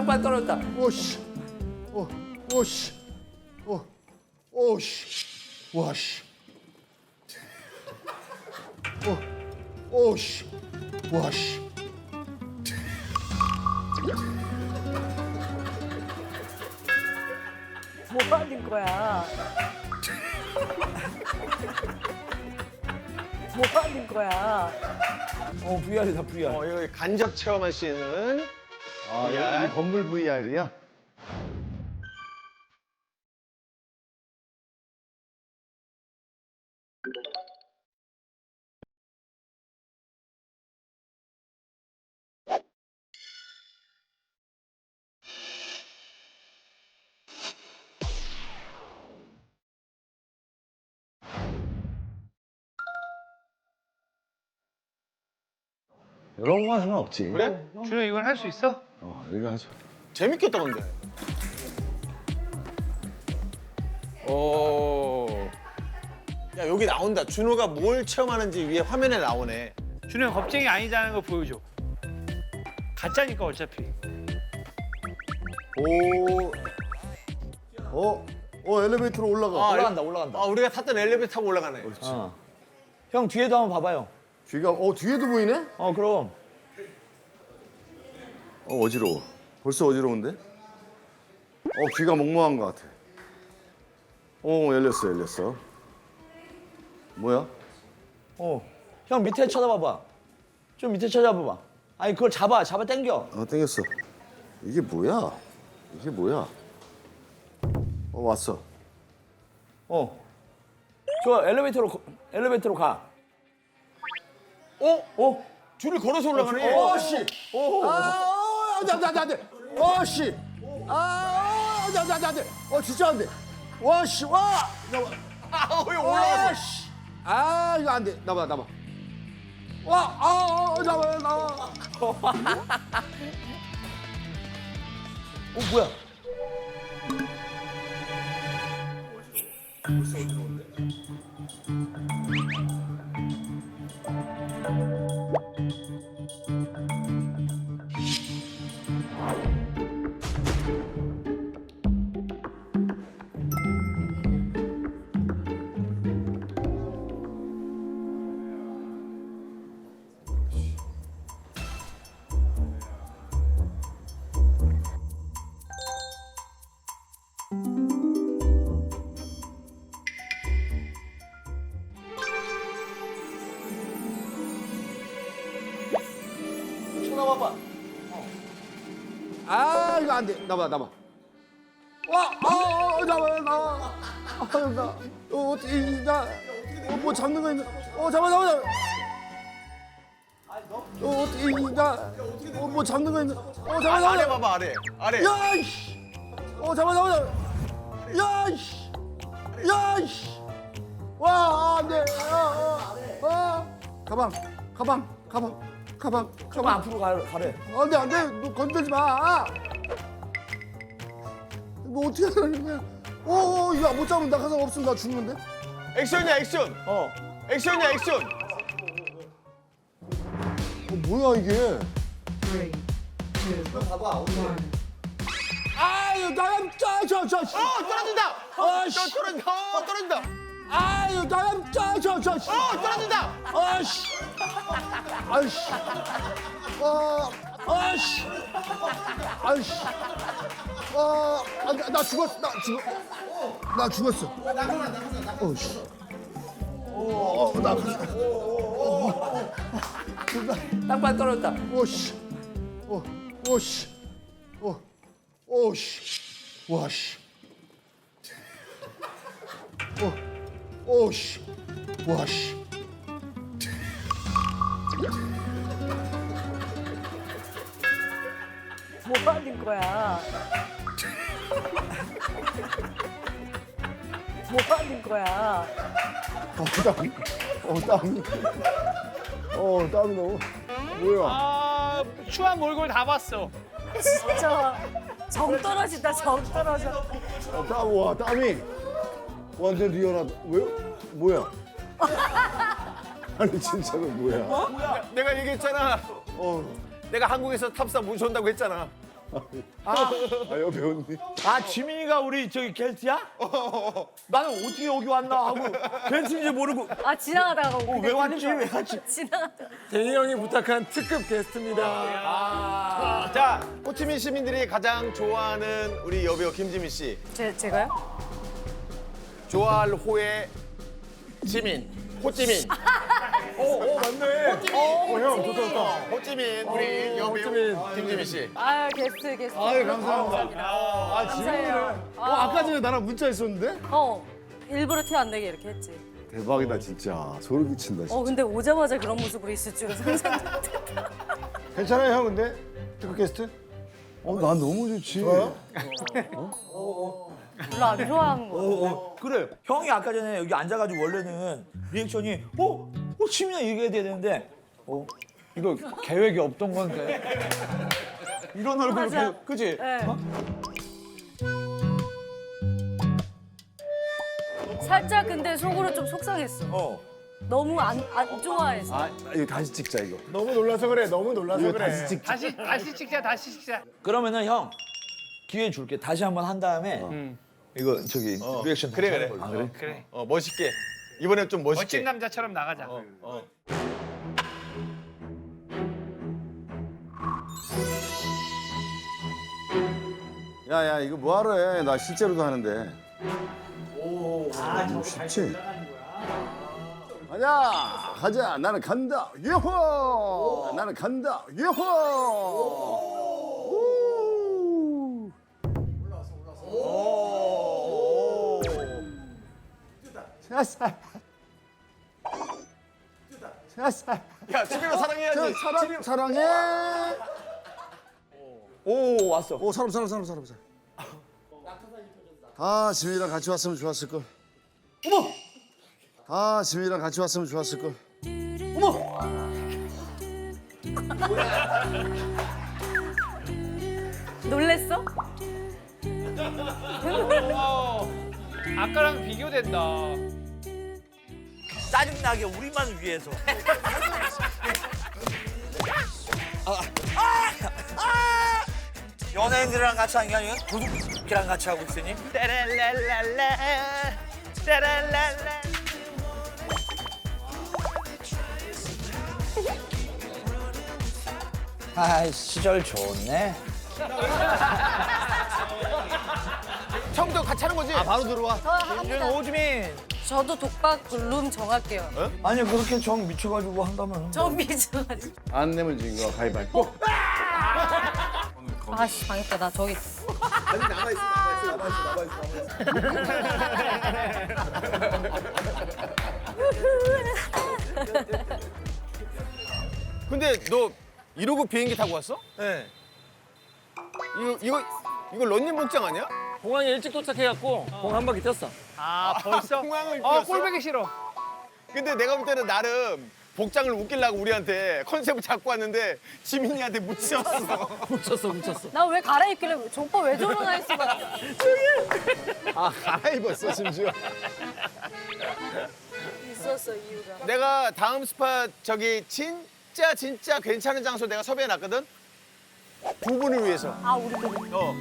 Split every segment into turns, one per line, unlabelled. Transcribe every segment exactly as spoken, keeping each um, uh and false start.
땅바닥 떨어졌다.
오씨. 오, 오씨. 오, 오씨. 와씨. 오, 오씨. 와씨.
뭐 하는 거야? 뭐 하는 거야?
어, 브이알이다, 브이알.
어, 이거 간접 체험할 수 있는
아,
브이알.
이 건물 브이알이야? 이런 거 하면 없지.
그래?
준호 이건 할 수 있어?
어, 이거 하죠.
재밌겠다 근데. 오. 야 여기 나온다. 준호가 뭘 체험하는지 위에 화면에 나오네.
준호 형 겁쟁이 아니다는 걸 보여줘. 가짜니까 어차피.
오. 어? 어, 엘리베이터로 올라가.
아,
올라간다, 올라간다.
아 우리가 탔던 엘리베이터 타고 올라가네.
어. 형 뒤에도 한번 봐봐요.
뒤가, 어, 뒤에도 보이네?
어, 그럼.
어, 어지러워. 벌써 어지러운데? 어, 귀가 멍멍한 것 같아. 어, 열렸어, 열렸어. 뭐야?
어. 형 밑에 쳐다봐봐. 좀 밑에 쳐다봐봐. 아니, 그걸 잡아, 잡아 당겨.
어, 땡겼어. 이게 뭐야? 이게 뭐야? 어, 왔어.
어. 저 엘리베이터로, 거- 엘리베이터로 가.
어?
어?
줄을 걸어서 올라가네.
어, 씨! 아, 어, 안 돼, 안 돼, 안 돼, 안 돼. 어, 씨! 아, 안 돼, 안 돼, 안 돼, 안 돼. 어, 진짜 안 돼. 와, 씨, 와! 나와.
아, 왜
와,
올라갔어?
씨! 아, 이거 안 돼. 나봐, 나봐. 와, 아, 아, 나와, 나와.
어, 뭐야? 쳐다봐봐.
아, 이거 안 돼. 나봐, 나봐. 와, 아, 아, 나와, 나와. 아, 나, 어, 어떻게, 이, 나, 어, 뭐 잡는 거 있나? 어, 잡아, 잡아, 잡아. 어, 어떻게, 이, 나, 어, 뭐 잡는 거 있나? 어, 잡아,
아,
잡아,
아래
잡아.
봐봐 아래. 아래.
야, 이씨. 어, 잡아, 잡아, 잡아. 야, 이씨. 야, 이씨. 와, 안 돼. 아, 아, 아. 가방, 가방, 가방, 가방,
좀
가방.
앞으로 가, 가래.
안 돼, 안 돼. 너 건들지 마. 뭐 어떻게 하는 거야? 오, 오, 이거 못 잡으면 나 가서 없으면 나 죽는데?
액션이야 액션.
어.
액션이야 액션.
어, 뭐야 이게? 아유, 나랑 저, 저, 저, 씨.
어 떨어진다.
아,
어
씨.
떨어진다. 어 떨어진다.
아유, 나랑 저, 저, 저, 씨.
어 떨어진다.
아씨. 아이씨. 아, 아씨. 아이씨. 아, 아, 나, 나 죽었어. 나 죽어. 나 죽었어. 어, 씨. 어, 나,
땅바닥 떨어졌다.
오, 씨. 오, 오, 씨. 오, 오, 씨. 와, 씨. 오, 오, 씨. 와, 씨.
뭐 하는 거야? 뭐 하는 거야?
어, 땀. 어, 땀이. 어, 땀이 너무. 뭐야?
아 추한 몰골 다 봤어.
진짜 정 떨어진다, 정 떨어져.
어, 땀, 와, 땀이. 완전 리얼하다. 왜? 뭐야? 아니, 진짜로 뭐야?
내가 얘기했잖아.
어,
내가 한국에서 탑사 모셔온다고 했잖아.
아 여배우님.
아 지민이가 우리 저기 게스트야? 나는 어떻게 여기 왔나 하고 게스트인지 모르고
아 지나가다가
어, 왜 왔지 왜 왔지?
지나가다가
대희 형이 부탁한 특급 게스트입니다.
자, 호치민 시민들이 가장 좋아하는 우리 여배우 김지민 씨.
제, 제가요?
좋아할 호의 지민. 호찌민.
오 맞네. 어형 좋다 좋다.
호찌민 우리 여배우 김지민 씨.
아 게스트 게스트
아유 감사합니다. 아 지민이네.
감사해요.
어 아까 전에 나랑 문자 했었는데?
어 일부러 티 안 내게 이렇게 했지.
대박이다 진짜. 소름 끼친다 진짜.
어 근데 오자마자 그런 모습으로 있을 줄은 상상도 못했다.
괜찮아요 형 근데? 특급 게스트? 어 난 너무 좋지. 좋아요?
별로 안 좋아하는 거.
어, 그래 형이 아까 전에 여기 앉아가지고 원래는 리액션이 어? 어 지민아 얘기해야 되는데 어? 이거 계획이 없던 건데 이런 얼굴
맞아.
이렇게 그지?
네. 살짝 근데 속으로 좀 속상했어.
어.
너무 안, 안 좋아해서.
아 이거 다시 찍자 이거. 너무 놀라서 그래. 너무 놀라서
네.
그래. 다시 찍자.
다시 다시 찍자 다시 찍자.
그러면은 형 기회 줄게 다시 한번 한 다음에 이거 저기 리액션
그래,
다시
그래.
하는 걸로.
아, 그래. 그래.
어 멋있게. 이번엔 좀 멋있게.
멋진 남자처럼 나가자.
어.
야야 이거 뭐하러 해? 나 실제로도 하는데. 오. 아 쉽지? 가자 가자 나는 간다 요호 나는 간다 요호. 우.
오.
샤샤. 샤샤.
야, 지민아 사랑해야지.
사랑 사랑해.
오 왔어.
오 사람 사람 사람 사람 사람. 아 지민이랑 같이 왔으면 좋았을 걸.
어머
아 지민이랑 같이 왔으면 좋았을 걸.
어머
놀랬어?
어, 아까랑 비교된다.
짜증나게 우리만 위해서. 연예인들이랑 같이 하는 게 아니라 도둑이랑 같이 하고 있으니?
따랄랄랄라 따랄랄라.
아 시절 좋네.
형도 같이 하는 거지? 아, 바로 들어와.
저 합니다.
오주민.
저도 독박 룸 정할게요.
아니 그렇게 정 미쳐가지고 한다면.
저 미쳐가지고.
안 내면 진 거 가위바위보.
아씨 망했다 나 저기.
아니, 남아있어, 남아있어, 남아있어, 남아있어. 근데 너 이러고 비행기 타고 왔어?
네.
이거, 이거, 이거 런닝 복장 아니야?
공항에 일찍 도착해갖고 공 한 바퀴 뛰었어.
아 벌써?
공항을
어
뛰었어?
꼴보기 싫어.
근데 내가 볼 때는 나름 복장을 웃기려고 우리한테 컨셉을 잡고 왔는데 지민이한테 묻혔어.
묻혔어, 묻혔어.
나 왜 갈아입길래 저 오빠 왜 저러나 했어.
아 갈아입었어 심지어.
있었어 이유가.
내가 다음 스팟 저기 진짜 진짜 괜찮은 장소 내가 섭외해놨거든? 두 분을 위해서.
아 우리 그
어.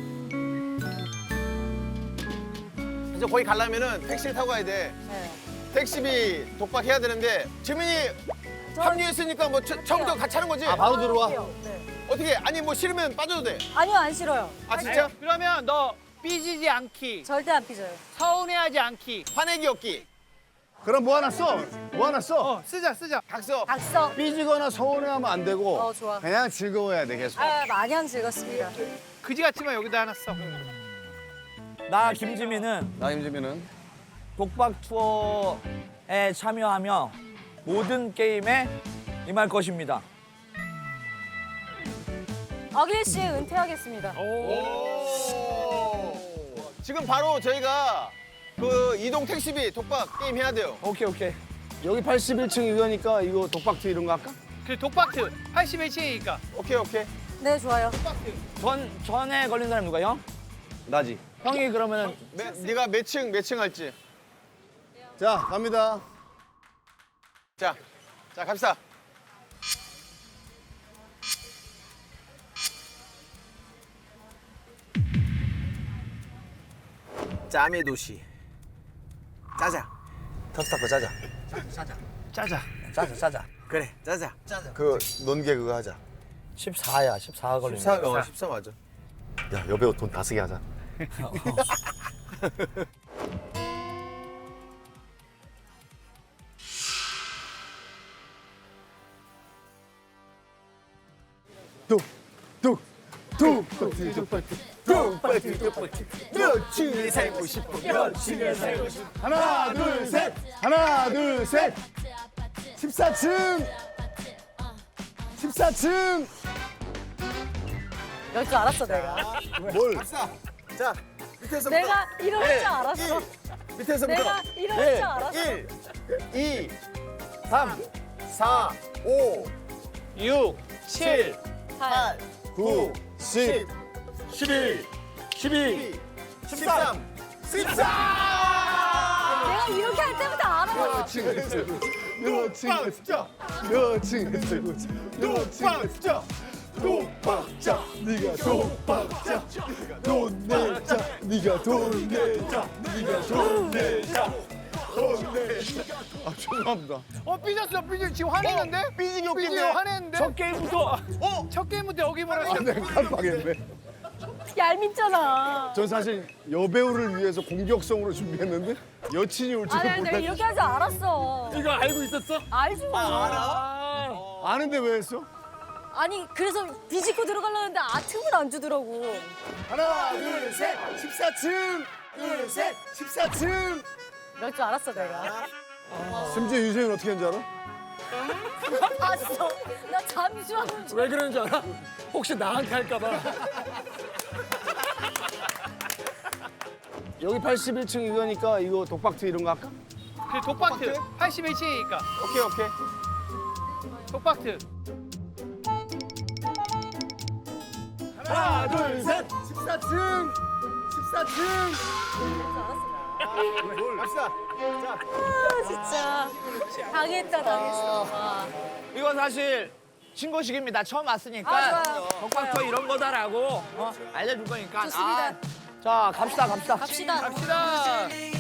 그래서 거기 가려면은 택시를 타고 가야 돼.
네.
택시비 독박해야 되는데 지민이
저-
합류했으니까 뭐 처- 처음부터 같이 하는 거지?
바로 들어와.
네.
어떻게? 아니 뭐 싫으면 빠져도 돼.
아니요 안 싫어요.
아 진짜?
그러면 너 삐지지 않기,
절대 안 삐져요.
서운해하지 않기.
화내기 없기.
그럼 뭐 하나 써? 뭐 하나 써?
어 쓰자 쓰자.
각서.
각서.
삐지거나 서운해하면 안 되고.
어, 좋아.
그냥 즐거워야 돼 계속.
아 마냥 즐겁습니다.
그지 같지만 여기다 하나 써.
나 김지민은
나 임지민은
독박 투어에 참여하며 모든 게임에 임할 것입니다.
어길 씨 은퇴하겠습니다.
오. 지금 바로 저희가 그 이동 택시비 독박 게임 해야 돼요.
오케이 오케이.
여기 팔십일 층 이거니까 이거 독박트 이런 거 할까?
그 독박트 팔십일 층이니까.
오케이 오케이.
네 좋아요.
전 전에 걸린 사람 누가 형?
나지.
형이 그러면은
매, 네가 몇 층 몇 층 할지.
자 갑니다.
자, 자 갑시다. 짬의 도시. 짜자.
터치타코 짜자.
짜자.
짜자 짜자.
그래, 짜자. 짜자. 그 논개 그거 하자.
십사야 십사 걸리네.
십사, 어, 십사 맞아.
야 여배우 돈 다 쓰게 하자. 뚝뚝뚝 뚝박지 뚝박지 뚝박지 며칠 살고 싶어 며칠 살고 싶어 하나 둘 셋 하나 둘 셋 십사 층 십사 층
이럴 줄 알았어 내가.
뭘
자, 밑에서부터.
내가 이럴 줄 알았어.
밑에서부터.
내가 이럴 줄 알았어.
일, 이, 삼, 사, 오,
육, 칠,
팔.
구 십
십일, 십이.
십삼, 십사!
내가 이렇게 할 때부터 알아.
며칠 며칠
진짜.
며칠 며칠
진짜.
독박자 네가 독박자 돈 내자 네가 돈 내자 네가 돈 내자 돈 내자 아 죄송합니다
어 삐졌어 삐졌어 지금 화냈는데?
삐지기
삐지기
웃긴데?
화냈는데? 첫 게임부터 어? 첫 게임부터 여기 보냈어.
아 내가 깜빡했네
얄밉잖아.
전 사실 여배우를 위해서 공격성으로 준비했는데 여친이 올 줄은
아니 내가
몰랐어
이렇게 할 줄 알았어.
이거 알고 있었어?
알지 뭐.
아는데 왜 했어?
아니 그래서 비집고 들어가려는데 아 틈을 안 주더라고.
하나 둘셋 십사 층 둘셋 십사 층
이럴 줄 알았어 내가.
심지어 유재윤 어떻게 했는지 알아?
봤어. 나 잠시만.
왜 그러는 줄 알아? 혹시 나한테 할까봐.
여기 팔십일 층 이거니까 이거 독박트 이런 거 할까?
그 독박트 팔십일 층이니까
오케이, 오케이.
독박트.
하나 둘셋 십사 층 십사 층
갑시다.
아 진짜. 당했다 당했어. 아.
이거 사실 신고식입니다. 처음 왔으니까
아, 좋아요.
독박터 이런 거다라고 어, 알려줄 거니까.
좋습니다.
아, 자 갑시다 갑시다.
갑시다.
갑시다.